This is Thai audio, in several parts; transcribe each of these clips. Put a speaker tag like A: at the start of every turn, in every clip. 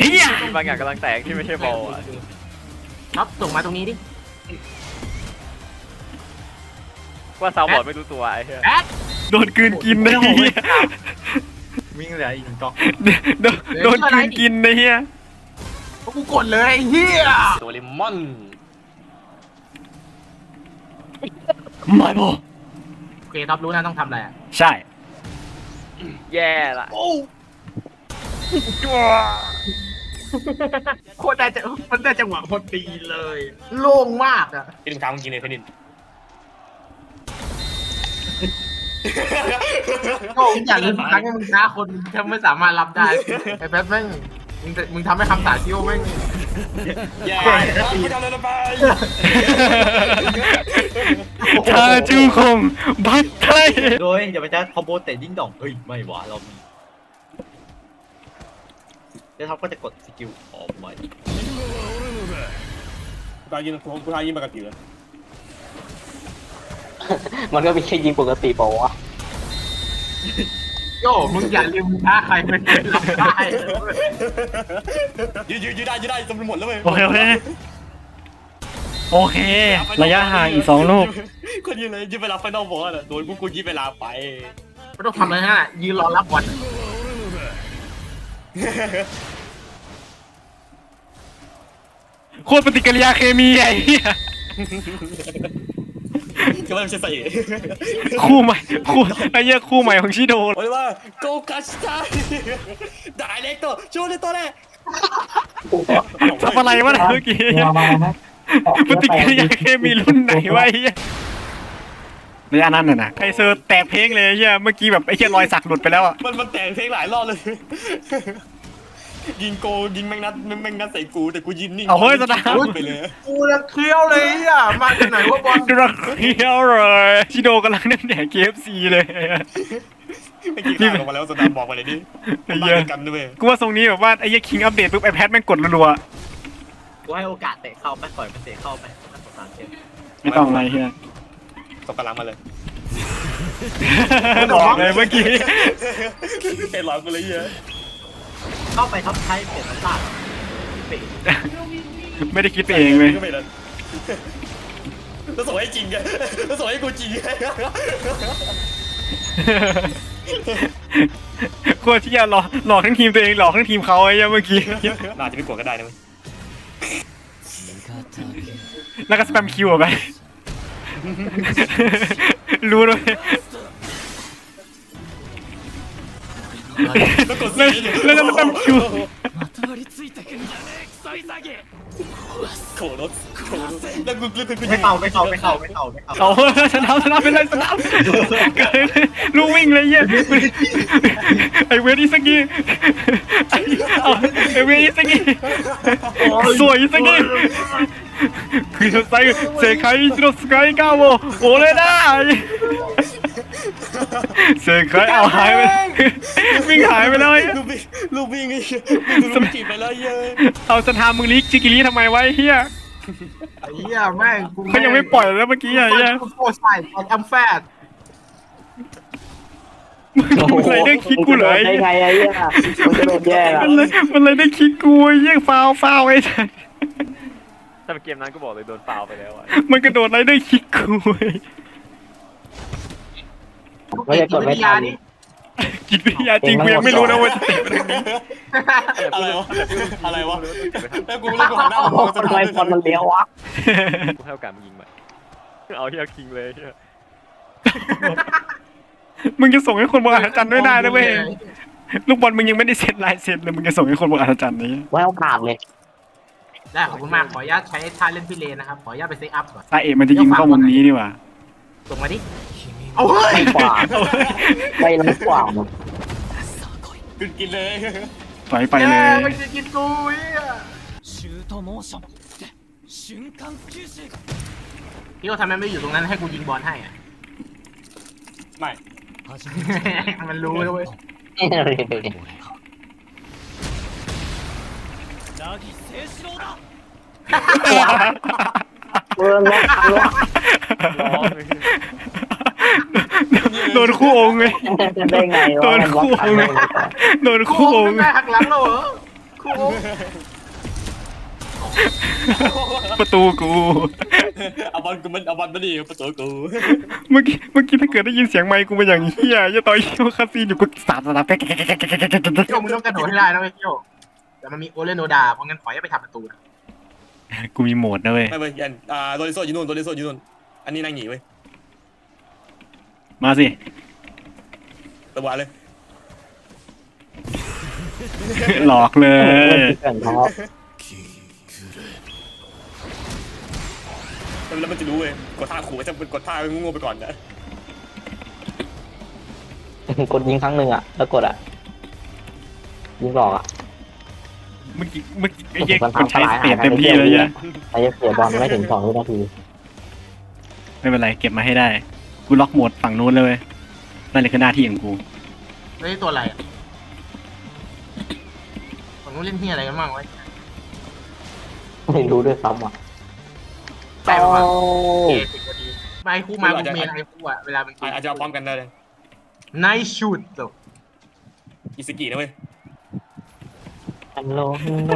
A: เฮีย
B: มีบางอย่างกำลังแตกที่ไม่ใช่บอลอ่ะ
C: น็อตส่งมาตรงนี้ดิ
B: ว่าซาวบอร์ดไม่รู้ตัวไอ้เหี้ย
C: แอ๊ด
A: โดนกลืนกินนะเฮีย
D: วิ่งเหลืออีก1 กล่อง
A: โดนกลืนกินนะเฮีย
C: พวกกูกดเลยไอ้เฮีย
D: ตัวเลมอน
A: ไม่พอ
C: โอเคท็อปรู้นะต้องทำอะไรอะ
A: ใช่
B: แย่ละ
C: โคตรได้จะมันได้จังหวะพอดีเลย โล่งมากอ่ะ
D: พี่ดึงทางมึงกินเลยเพนิน
C: โอ้ยอย่างนี้ทุกครั้งที่มึงท้าคนถ้าไม่สามารถรับได้ไอ้แป๊บแม่งมึงทำให้คำสาชิโอแม่ง
D: แย่กูทำอะไรไป
A: ทาจูคงบัตไทย
E: โดยอย่าไปจ้าคอมโบเตะดิ้งดองเฮ้ยไม่หวะเรามีแล้วท็อปก็จะกดสกิลออกมา
D: กูยิงปกติเลย
F: มันก็มีแค่ยิงปกติเปล่าวะ
C: โย่มึงอย่าลืมท้าใครไม่เคยรับได้
D: ยืดได้จนหมดแล้วเว้ย
A: โอเคโอเค ระยะห่างอีก2 ลูก
D: คนยืนเลยยืดเวลาไฟนอลบอลโดนกูยืดเวลาไป
C: ไม่ต้องทำอะไรฮะยืนรอรับบอล
A: โคตรปฏิกิริยาเคมีไอ้เหี้ย
D: ก็ไม่ใช่ใส่
A: คู่ใหม่ไอ้เหี้ยคู่ใหม่ของชิโด
D: โอ้ยว่าโกกัสตาได้เล็กตัวช่วยเลยตัวแรก
A: ทำอะไรวะเนี่ยเมื่อกี้ปฏิกิริยาเคมีรุ่นไหนวะไอ้เหี้ยระยะนั้นน่ะนะไอเซอร์แตกเพลงเลยไอ้เหี้ยเมื่อกี้แบบไอ้เหี้ยรอยสักหลุดไปแล้วอ่ะ
D: มันแต่งเพลงหลายรอบเลย ยิงโกยิงแมงนัดใส่กูแต่กูยิงนิ่ง
A: เอาเฮ้ยสตาร์
D: ไปเลย
C: กูจะเคี้ยวเลยอ่ะมาจากไหนวะบอล
A: กระเคี้ยวเลยชิโดกำลังนั่งแดก KFC เลย
D: ไม่กี่ข้าวลงมาแล้วสตาร์บอกไปเลยดิ
A: ไอ้
D: บ้า
A: เหี้ย
D: นกันด้วย
A: กูว่าทรงนี้แบบว่าไอ้เหี้ยคิงอัปเดตปุ๊บไอแพดแม่งกดรัว
E: กูให้โอกาสเตะเข้าไปปล่อยมันเตะเข้าไปน่าสงสารเช่น
A: ๆไม่ต้องอะไรเฮีย
D: ตกกำลังมาเลย
A: บอกเลยเมื่อกี้
D: เอ็นร้อนมาเลยเยอะ
E: เข้าไปท็อปไทยเปลี่ยนน้ำตาลเปลี่ยน
A: ไม่ได้คิดไปเองเลย
D: แล้วส่งให้จริงไงแล้วส่งให้กูจริงไง
A: โคตรที่จะหลอกทั้งทีมตัวเองหลอกทั้งทีมเขาไอ้เหี้ยเมื่อกี้
D: น่าจะไม่กลัวก็ได้นะเว้ย
A: แล้วก็สแปมคิวออกไป รู้ด้วย
D: แล้วกด
A: แล้ว
D: ซี
A: แล้วก็สแปมคิว
D: โขรถแล้วกู
E: ไม่เข้า
A: เอาชนะไปเลยชนะเกิดลูกวิ่งเลยเหี้ยไอเวทอิสกี้ไอเวทอิสกี้สวยอิสกี้คือใส่เซคายอิชิโร่สกายก้าวโอเลน่าเซคายเอาหายไปวิ่งหายไปแล้ว
D: ลูกวิ่งไอ้ลูกจีบไปแล้วเยอะ
A: เอาสถามึงลิกจิกิริทำไมไว้เฮีย
C: ไอ้เหี้ยแม่งกู
A: เขายังไม่ปล่อยแล้วเมื่อกี้ไอ้เฮีย
C: กูโคตรใส่ไอ้อัมแฟด
A: มันเลยได้คิดกูเลย
F: ได้ไงไอ้เหี้ยมันจะโดนแย่ละ
A: มันเลยได้คิดกูไอ้เหี้ยฟาวไอ้ฉัน
B: ถ้าเป็นเกมนั้นก็บอกเลยโดนฟาวไปแล้วอ่ะ
A: มันกระโดดอะไรได้คิดกูไอ้
F: มันจะกดไม่ทัน
A: จิตวิทยาจริงกูยังไม่รู้นะว่าจะเตะไปทางนี้
D: อะไรวะแล้วกูหันหน้ามามอง
F: ทำไมบอลมันเลี้ยววะ
B: กูให้โอกาสมึงยิงใหม่เอาเฮียคิงเลยเฮีย
A: มึงจะส่งให้คนบนอัศจรรย์ด้วยได้นะเว้ยลูกบอลมึงยังไม่ได้เซ็ตลายเซ็ตเลยมึงจะส่งให้คนบนอัศจรรย์นี่
F: ไว้โอกาสเลย
C: ได้ขอบคุณมากขออนุญาตใช้ท่าเล่นพี่เลนนะครับขออนุญาตไปเซตอัพก่อน
A: ตาเอกมันจะยิงเข้ามุมนี้นี่หว่า
C: ส่งมาดิเอาเฮ้ย
F: ไม่กว่าไม่รับกว่ามัน
D: กินเลย
A: ต่อยไปเลย
C: ไม่จะกินกูเหี้ยพี่ก็ทำไมไม่อยู่ตรงนั้นให้กูยิงบอลให้อ่ะ
D: ไม่
C: มันรู้เลยเว้ย
F: เออล็อกล็อก
A: โดนคู่องค์ไง
F: ได้ไง
A: โดนคู่องค์ไงโดนคู่องค์
C: ได้หักหลังเราเหรอคู่
A: ประตูกู
D: เอาบอลกูมันเอาบอลมาดิประตูกู
A: เมื่อกี้ถ้าเกิดได้ยินเสียงไมค์กูเป็นอย่างเฮียจะต่อยคิวคาซีนอยู่กูสาดแป๊ก
C: โยมึงต้องกระโดดให้ได้นะเว้ยโยแต่มันมีโอเลโนดาเพราะงั้นขอให้ไปทำประตูนะ
A: กูมีโหมดนะเว้ย
D: ไม่เว้ยยันโดริโซอยู่นู่นโดริโซอยู่นู่นอันนี้นางหนีเว้ย
A: มาสิ
D: ระวังเลย
A: หลอกเลย
F: เกินท้อ
D: แล้วมันจะรู้เว้ยกดท่าขู่จะกดท่างูไปก่อนนะ
F: กดยิงครั้งหนึ่งอ่ะแล้วกดอ่ะยิงหลอกอ่ะ
A: เมื่อกี้ไอ้เหี้ยคนใช้เปลี่ยนเต็มที่เลยเนี่ย
F: ไอ้เสียบอลไม่ถึง2 วินาที
A: ไม่เป็นไรเก็บมาให้ได้กูล็อกโหมดฝั่งนู้นเลยเว้ยนั่นเลยคือหน้าที่ของกู
C: เฮ้ยตัวอะไรอ่ะผมต้องเล่นที่อะไรกันบ้างวะ
F: ไม่รู้ด้วยซ้ำอ่ะ
C: ใช่ป่ะเอสิบพอดีไอ้คู่มากูเมนไอ้คู่อ่ะเวลามัน
D: อาจจะเอาพร้อมกันได้เลย
C: ไนชูดจบ
D: อิสกินะเว้ย
F: ฮัลโหลฮัลโหล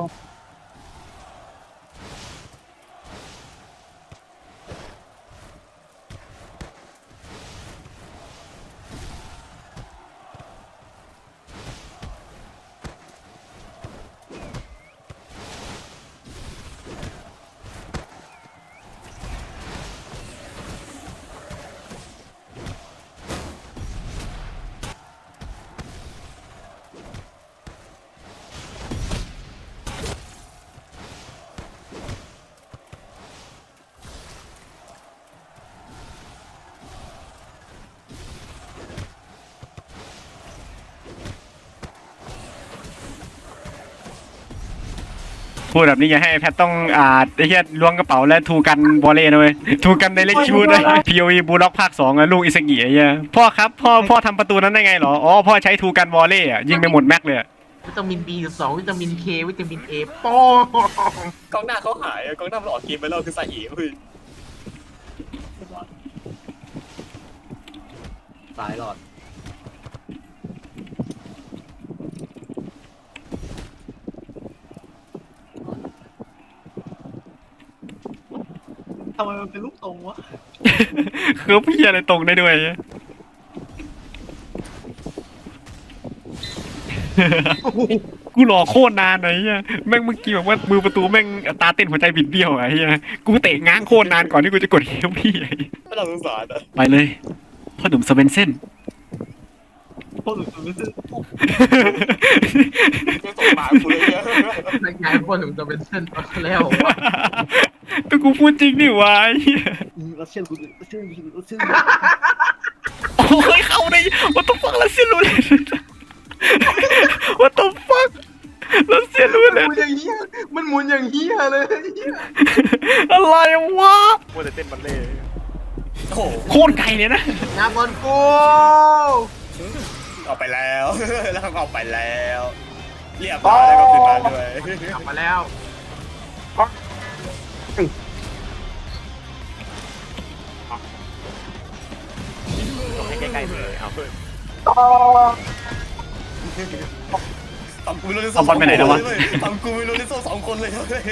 A: พูดแบบนี้อย่าให้แพทต้องไอ้เหี้ยล้วงกระเป๋าแล้วทูกันบอลเล่นะเว้ยทูกันในเล็กชูดเลย POE บูล็อกภาค2อะลูกอิสกิไอ้เหี้ยพ่อครับพ่อทำประตูนั้นได้ไงเหรออ๋อพ่อใช้ทูกันบอลเล่อะยิงไปหมดแม็กเลยอะ
C: วิตามิน B12 วิตามิน K วิตามิน A โป้ง
D: กองหน้าเขาหายกองหน้ามันออกเกมไปแล้วคือซาอิเว้ย
E: สายหลอดทำไมมันเป็นลูกตรงวะ
A: คือพี่อะไรตรงได้ด้วยอะ กูรอโคตรนานไอ้เหี้ยแม่งเมื่อกี้แบบว่ามือประตูแม่งอัตราเต้นหัวใจบิดเบี้ยวอะไอ้เหี้ยกูเตะง้างโคตรนานก่อนที่กูจะกดเฮลพี่ไอ้เหี้ย
D: ไม่เราสงสารอ่ะ
A: ไปเลยพ่อหนุ่มสเวนเซ่น
E: พวกหนูรู้สึก
D: ไม่ส่งมากูเลยเนี่ย
C: ในงานคนถึงจะเป็นเส้นแล้ววะ
A: ก็กูพูดจริงดิวะไอ้เหี้ย
E: รัสเซียนกูรัสเซียนรัสเซียน
A: โอ้ยเข้าได้ what the fuck รัสเซียรู้เลย what the fuck รัสเซียรู้
C: มัน
A: เล
C: ห
A: ย
C: มุนอย่างเฮียมันหมุนอย่างเฮียเลย
A: อะไรวะ
B: มัวแต่เต้นบัลเล่ต์
D: โอ้โห
A: โคตรไกลเลยนะ
C: งานบอลกู
D: ออกไปแล้ว แล้วก็ออกไปแล้วเรียบร้อยแล้วก็ขึ้นมาด้วย
C: กลับมาแล้ว
B: ต้องให้ใกล้ๆเลยเอาเพื่อน
D: ทำกูไม่รู้เรื่อง
A: เอาบอลไปไหนแล้ววะ
D: ทำกูไม่รู้เรื่อง2 คนเลยเว้ย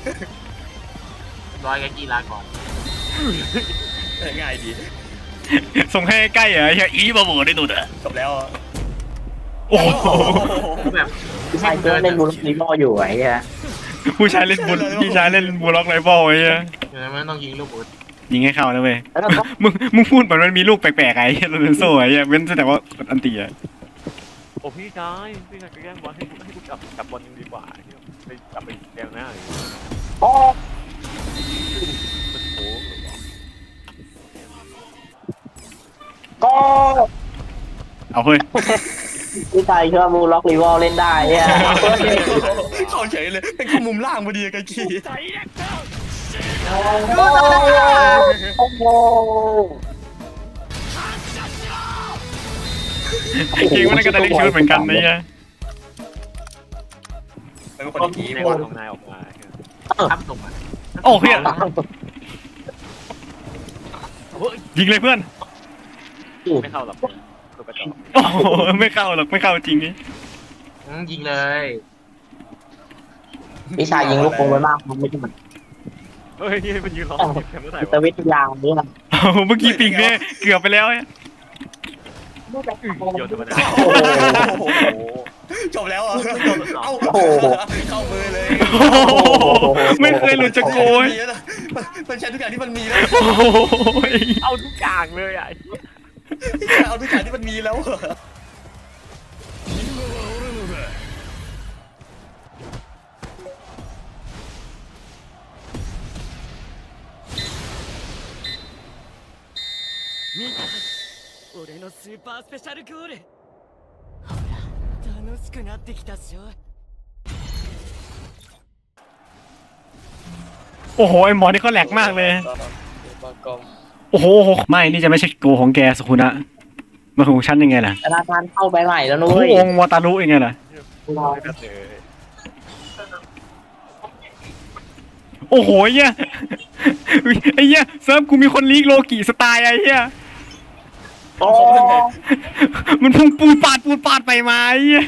C: ร้อยกับกีฬาก่อน
D: ง่ายดี
A: ส่งให้ใกล้เหรอไอ้เหี้ยอีบาโบได้ตัวเด้อ
D: จบแล้ว
A: โอ้โห
C: คือแบบ
F: ใช่เพื่อนเล่นบูลลิโมอยู่ไอ้เหี้ย
A: ผู้ชายเล่นบุลพี่ชายเล่นบูล็อกไรบอลไอ้เหี้ย
C: เดี๋ยวมันต้องยิงลูกอุด
A: ยิงให้เข้านะเว้ย
F: แล้วก็
A: มึงพูดเหมือนมันมีลูกแปลกๆไอ้เหี้ยโรนัลโซ่ไอ้เหี้ยเว้นแต่ว่าอันตีอะ
B: โอ้พี่ชายไปแย่งบอลให้กูจับบอลยังดีกว่าไปกลับไปแกงหน้าเลย
F: โอ้
B: มันโค้งหรือเปล่า
F: ก็
A: เอาเฮ้ย
F: พี่ชายเชื่อบูล็อกรีวอลเล่นได้เนี่ย
D: เข้าเฉยเลยเป็นข้อมุมล่างพอดีกันกี้
F: โอ้โห
A: จริงๆมันก็ได้เล็กชุดเหมือนกันนะเหี้ย
D: เป็นคนที่
B: ใน
D: ดี
B: วันของนายออกมา
C: ทับส่งมา
A: โอ้เพื่อนยิงเลยเพื่อน
B: ไม่เข้าหรอกตัวกระจอก
A: โอ้โหไม่เข้าหรอกไม่เข้าจริงนี่
C: ยิงเลย
F: วิชายิงลูกโป่งไว้มากมันไม่ใช่มัน
B: เฮ้ยมันยืนร้องแถมเมื่อไหร่
F: จิต
B: วะ
F: วิทยาเนี่ย
A: เมื่อกี้ปิงเนี่ยเกือบไปแล้วเนี่ย
B: โยนธรรมดา
D: โอ้โหจบแล้วอ่ะเอ้าเข้ามือเลย
A: โอ้โหไม่เคยหลุดจากโกย
D: มันใช้ทุกอย่างที่มันมีแล้ว
A: โอ้ย
B: เอาทุกอย่างเลยอ่ะ
D: เอาทุกอย่างที่มันมีแล้ว
G: 俺のスーパースペシャルゴールほら楽しくなってきたっしょ
A: โอ้โหไอหมอนี่เขาแหลกมากเลย โอ้โหไม่นี่จะไม่ใช่โกของแกสุคุนะมันของฉันยังไงล่ะ
F: ธนาคารเข้าไปใหม่แล้วนุ้
A: คู่
F: ย
A: องค์วาตารุยังไงล่ะ
B: ไม่แบบเลย
A: โอ้โหไอ้เหี้ยไอ้เหี้ยเซิร์ฟกูมีคนลีกโลกิสไตล์ไอ้เหี้ย
F: โอ้
A: มันพุ่งปูดปาดไปมาไอ้เหี้ย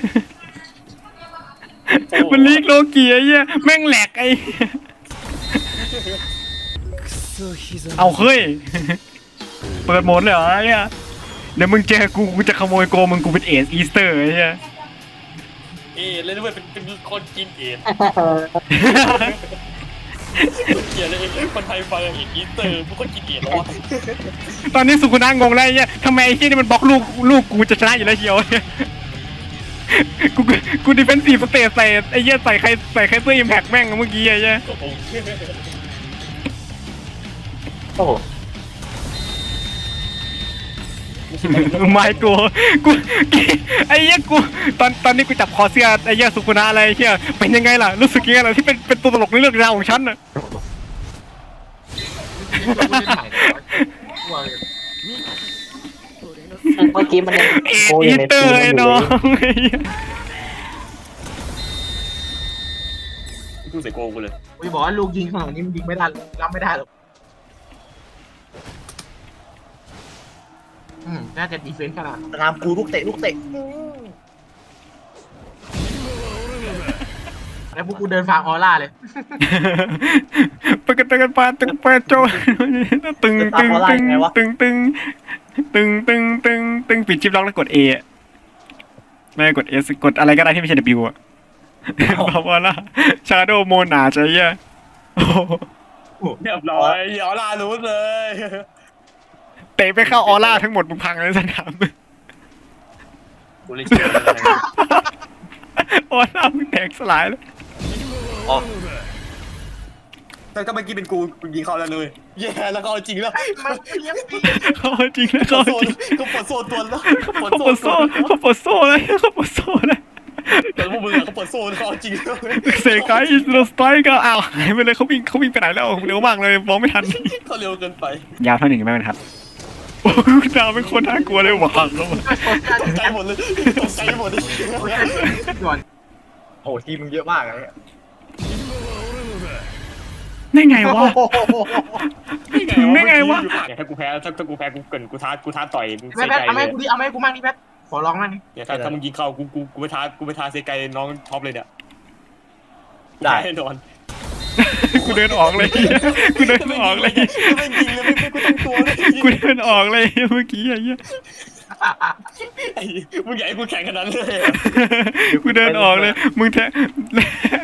A: มันลีกโลกิไอ้เหี้ยแม่งแหลกไอ้เหี้ยเอาเฮ้ยเปิดโหมดเลยเหรอไอ้เหี้ยเดี๋ยวมึงเจอกูจะขโมยโกมึงกูเป็นเอสอีสเตอร์ไอ้เหี้ย
D: เลยด้วยเป็นคนกินเอ็ดเกลียดเลยคนไทยฟังอย่างอีเตอร์พวกคนกินเอ็ดแล้ว
A: ตอนนี้สุคุนะงงแล้วไอ้เหี้ยทำไมไอ้เหี้ยนี่มันบล็อกลูกกูจะชนะอยู่แล้วเชียวกูดิเฟนซีฟสเตทใส่ไอ้เหี้ยใส่ใครเสื้ออิมแพคแม่งเมื่อกี้ไอ้เหี้ย
F: โอ้
A: ไม่กูไอ้เหี้ยกูตอนนี้กูจับคอเสื้อไอ้เหี้ยสุคุนะอะไรไอ้เหี้ยเป็นยังไงล่ะรู้สึกยังไงล่ะที่เป็นตัวตลกในเรื่องราวของฉันน่ะ
F: เมื่อกี้มันยัง
A: เอ็ดอีเตอร์ไอ้น้องไอ้เหี้ย
D: กูใส่โกกูเลย
C: กูบอกว่าลูกยิงขนาดนี้มันยิงไม่ได้รับไม่ได้หรอกน่าจะดีเฟนส์ขนาด
E: ตามกูลูกเตะ
C: แล้วพวกกูเดินฟาร์มออร่าเลย
A: ปะกันปาตึงปะโจตึงปิดชิปล็อกแล้วกด A ไม่กด S กดอะไรก็ได้ที่ไม่ใช่ W อ่ะบอกว่าล่ะชาโดโมนาใช่ไหมโอ้โห
D: เรียบร้อยอย่าลารู้เลย
A: เตะไปเข้าออร่าทั้งหมดมึงพังเลยสนาม
D: กูเลยเชื่อ
A: ออร่ามึงแตกสลายแล้ว
D: แต่เมื่อกี้เป็นกูยิงเขาแล้วเลยแย่แล้วก็เอาจริงแล้ว
A: เขาจริงนะเขาจริง
D: ก็ปวดโซ่ตัวแล้ว
A: เขาปวดโซ่เลย
D: แต่พวกมึงเขาปวดโซ่เขาเอาจริงแล้ว
A: เซกายอิสโรสไตร์ก็อ้าวหายไปเลยเขาวิ่งไปไหนแล้วเร็วมากเลยมองไม่ทัน
D: เขาเร็วเกินไป
A: ยาวเท่าหนึ่งไม่เป็นครับโอ้ดาวเป็นคนน่ากลัวเลยหวังแล้ว
D: ตกใจหมดเลยตกใจหมดเลย
C: ด่วน
E: โอ้ทีมึงเยอะมากเลย
A: ได้ไงวะถึงได้ไงวะ
D: ถ้ากูแพ้กูเกินกูท้าต่อย
C: แม่แพทเอาไหมกูดิเอาไหมกูมั่งนี่แพทขอร้องมั่งนี่
D: เนี่ยถ้ามึงยิงเข้ากูไปท้าเซไกน้องท็อปเลยเนี่ย
E: ได้
D: แน่นอน
A: กูเดินออกเลยกูเดินออกเลย
D: ไม่ยิงเลยไม่กูตั้งตัวเลย
A: กูเดินออกเลยเมื่อกี้ไอ้เหี้ย
D: มึงใหญ่กูแข่งขนาดนั้นเลย
A: กูเดินออกเลยมึงแทไ